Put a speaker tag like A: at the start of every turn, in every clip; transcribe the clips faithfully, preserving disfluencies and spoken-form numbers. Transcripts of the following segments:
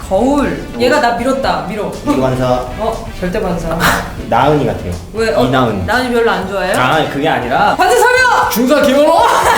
A: 거울. 얘가 나 밀었다. 밀어.
B: 이관사.
A: 어 절대 반사.
B: 나은이 같아요.
A: 왜? 어,
B: 이나은.
A: 나은이 별로 안 좋아해요?
B: 아 그게 아니라
A: 반지 서명!
B: 중사 김원호.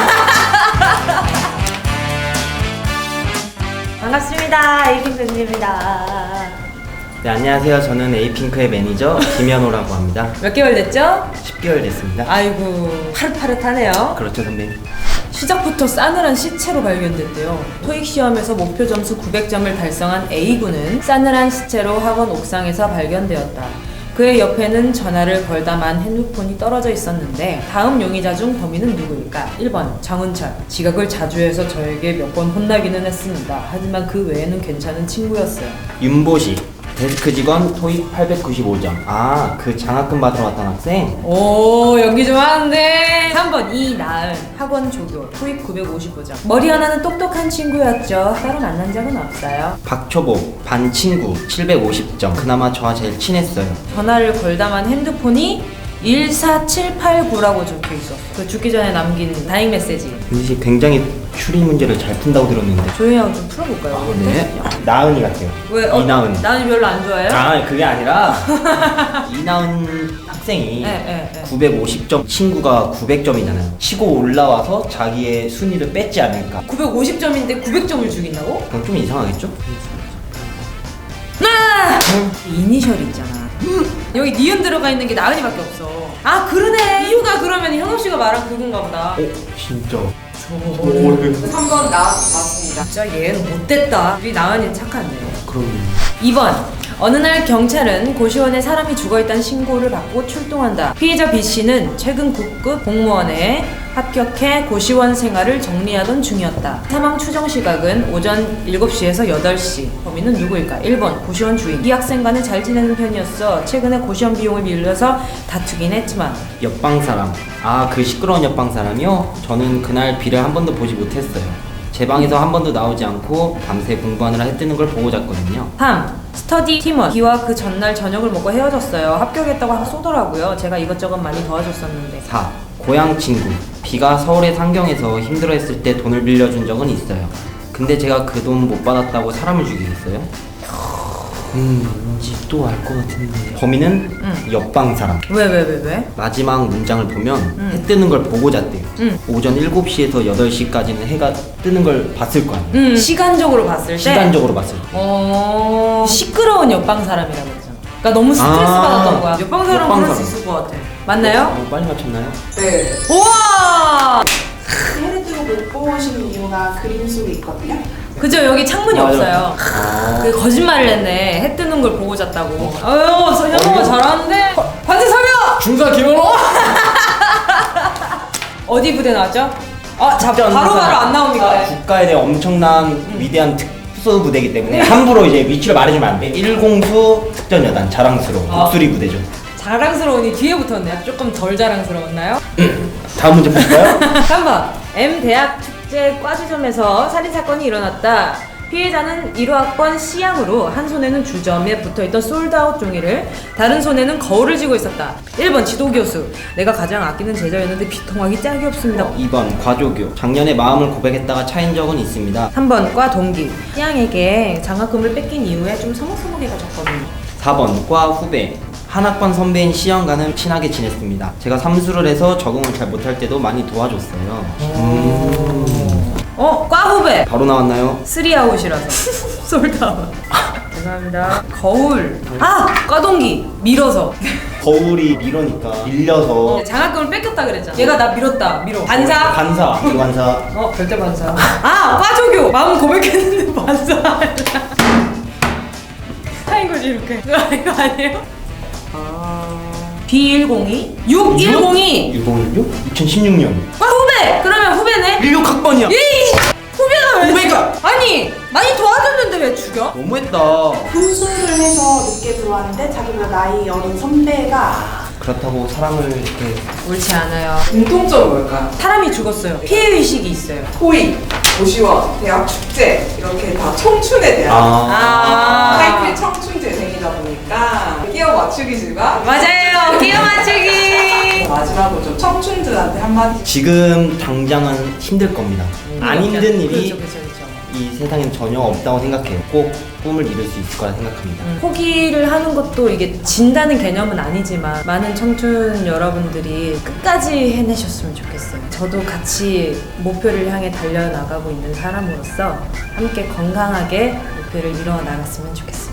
A: 반갑습니다. 에이핑크입니다.
B: 네 안녕하세요. 저는 에이핑크의 매니저 김현호라고 합니다.
A: 몇 개월 됐죠?
B: 십 개월 됐습니다.
A: 아이고 파릇파릇하네요.
B: 그렇죠 선배님.
A: 시작부터 싸늘한 시체로 발견됐대요. 토익 시험에서 목표 점수 구백 점을 달성한 A군은 싸늘한 시체로 학원 옥상에서 발견되었다. 그의 옆에는 전화를 걸다만 핸드폰이 떨어져 있었는데 다음 용의자 중 범인은 누구일까? 일 번 정은철. 지각을 자주 해서 저에게 몇 번 혼나기는 했습니다. 하지만 그 외에는 괜찮은 친구였어요.
B: 윤보식. 데스크 직원 토익 팔백구십오 점. 아 그 장학금 받으러 왔던 학생?
A: 오 연기 좀 하는데. 삼 번 이나은. 학원 조교. 토익 구백오십오 점. 머리 하나는 똑똑한 친구였죠. 따로 만난 적은 없어요.
B: 박초보 반 친구 칠백오십 점. 그나마 저와 제일 친했어요.
A: 전화를 걸다만 핸드폰이 일사칠팔구라고 적혀 있었어. 그 죽기 전에 남긴 다행 메시지.
B: 윤보식 굉장히 추리 문제를 잘 푼다고 들었는데.
A: 조용히 하고 좀 풀어볼까요?
B: 네. 나은이 같아요.
A: 왜? 어,
B: 이나은.
A: 나은이 별로 안 좋아해요?
B: 아 그게 아니라 이나은 학생이
A: 네, 네, 네.
B: 구백오십 점 친구가 구백 점이잖아요. 치고 올라와서 자기의 순위를 뺐지 않을까.
A: 구백오십 점인데 구백 점을 죽인다고?
B: 그럼 좀 이상하겠죠?
A: 아! 이니셜이 있잖아. 여기 니은 들어가 있는 게 나은이밖에 없어. 아 그러네. 이유가 그러면 현우 씨가 말한 그건가 보다.
B: 어? 진짜?
A: 삼 번 나 맞습니다. 진짜 얘는 못됐다. 우리 나은이는 착한데.
B: 그럼
A: 이 번 어느 날 경찰은 고시원에 사람이 죽어있다는 신고를 받고 출동한다. 피해자 B씨는 최근 국급 공무원에 합격해 고시원 생활을 정리하던 중이었다. 사망 추정 시각은 오전 일곱 시에서 여덟 시. 범인은 누구일까? 일 번 고시원 주인. 이 학생과는 잘 지내는 편이었어. 최근에 고시원 비용을 빌려서 다투긴 했지만.
B: 옆방 사람. 아 그 시끄러운 옆방 사람이요? 저는 그날 비를 한 번도 보지 못했어요. 제 방에서 한 번도 나오지 않고 밤새 공부하느라 해 뜨는 걸 보고 잤거든요.
A: 삼. 스터디 팀원. B와 그 전날 저녁을 먹고 헤어졌어요. 합격했다고 쏘더라고요. 제가 이것저것 많이 도와줬었는데.
B: 사. 고향 친구. B가 서울의 상경에서 힘들어했을 때 돈을 빌려준 적은 있어요. 근데 제가 그 돈 못 받았다고 사람을 죽이겠어요? 음, 왠지 또 알 것 같은데. 범인은
A: 응.
B: 옆방 사람.
A: 왜 왜 왜 왜?
B: 마지막 문장을 보면
A: 응.
B: 해 뜨는 걸 보고 잤대요.
A: 응.
B: 오전 일곱 시에서 여덟 시까지는 해가 뜨는 걸 봤을 거 아니에요.
A: 음, 시간적으로 봤을 때.
B: 시간적으로 봤을 때.
A: 어 시끄러운 옆방 사람이라고 했잖아. 그러니까 너무 스트레스
B: 아,
A: 받았던 거야. 옆방 사람
B: 옆방
A: 그럴 수
B: 사람.
A: 있을 것 같아. 맞나요?
B: 어, 빨리 맞췄나요?
C: 네.
A: 우와.
C: 해를 뜨고 못 보시는 이유가 그림 속에 있거든요.
A: 그죠 여기 창문이
B: 맞아.
A: 없어요.
B: 아.
A: 그 거짓말을 했네. 해 뜨는 걸 보고 잤다고. 아유 현우가
B: 어,
A: 잘하는데. 반지 서명.
B: 중사 김원호?
A: 어디 부대 나왔죠? 아, 자
B: 특전
A: 바로 바로
B: 사람.
A: 안 나옵니다. 네.
B: 국가에 대한 엄청난 위대한 특수 부대이기 때문에 함부로 이제 위치를 말해주면 안 돼. 일공수 특전여단 자랑스러운
A: 아.
B: 독수리 부대죠.
A: 자랑스러우니 뒤에 붙었네요. 조금 덜 자랑스러웠나요?
B: 다음 문제 보실까요?
A: 삼 번 M 대학 축제 과주점에서 살인사건이 일어났다. 피해자는 일 호학번 C양으로 한 손에는 주점에 붙어있던 솔드아웃 종이를 다른 손에는 거울을 쥐고 있었다. 일 번 지도교수. 내가 가장 아끼는 제자였는데 비통하기 짝이 없습니다.
B: 이 번 과조교. 작년에 마음을 고백했다가 차인 적은 있습니다.
A: 삼 번 과 동기. C양에게 장학금을 뺏긴 이후에 좀 서먹서먹해졌거든요.
B: 사 번 과 후배. 한 학번 선배인 C형과는 친하게 지냈습니다. 제가 삼수를 해서 적응을 잘 못할 때도 많이 도와줬어요. 음.
A: 어? 과 후배.
B: 바로 나왔나요?
A: 쓰리아웃이라서 솔드아웃. 죄송합니다. 거울. 아! 과 동기. 밀어서.
B: 거울이 밀어니까 밀려서
A: 장학금을 뺏겼다 그랬잖아. 얘가 나 밀었다. 밀어. 반사.
B: 반사 이관사.
A: 어 절대 반사. 아 과조교. 마음 고백했는데 반사. 하인 거지 이렇게. 이거 아니에요? 비 일공이 육일공이
B: 육공일육? 이천십육 년.
A: 과 후배. 그러면 후배네.
B: 일육 학번이야.
A: 에이 후배가 왜?
B: 후배가!
A: 죽여? 아니 많이 도와줬는데 왜 죽여?
B: 너무했다.
C: 훈수를 해서 늦게 들어왔는데 자기보다 나이 어린 선배가
B: 그렇다고 사람을 이렇게
A: 옳지 않아요.
C: 공통점은 뭘까요?
A: 사람이 죽었어요. 피해 의식이 있어요.
C: 토익, 고시원, 대학 축제 이렇게 다 청춘에 대한
A: 아.
C: 타이틀 청춘 재생이다 보니까 끼어 맞추기지만
A: 맞아요. 끼어 맞추기.
C: 마지막으로 좀 청춘들한테 한마디.
B: 지금 당장은 힘들 겁니다. 안 힘든 일이
A: 그렇죠, 그렇죠, 그렇죠.
B: 이 세상엔 전혀 없다고 생각해요. 꼭 꿈을 이룰 수 있을 거라 생각합니다.
A: 음, 포기를 하는 것도 이게 진다는 개념은 아니지만 많은 청춘 여러분들이 끝까지 해내셨으면 좋겠어요. 저도 같이 목표를 향해 달려나가고 있는 사람으로서 함께 건강하게 목표를 이뤄 나갔으면 좋겠어요.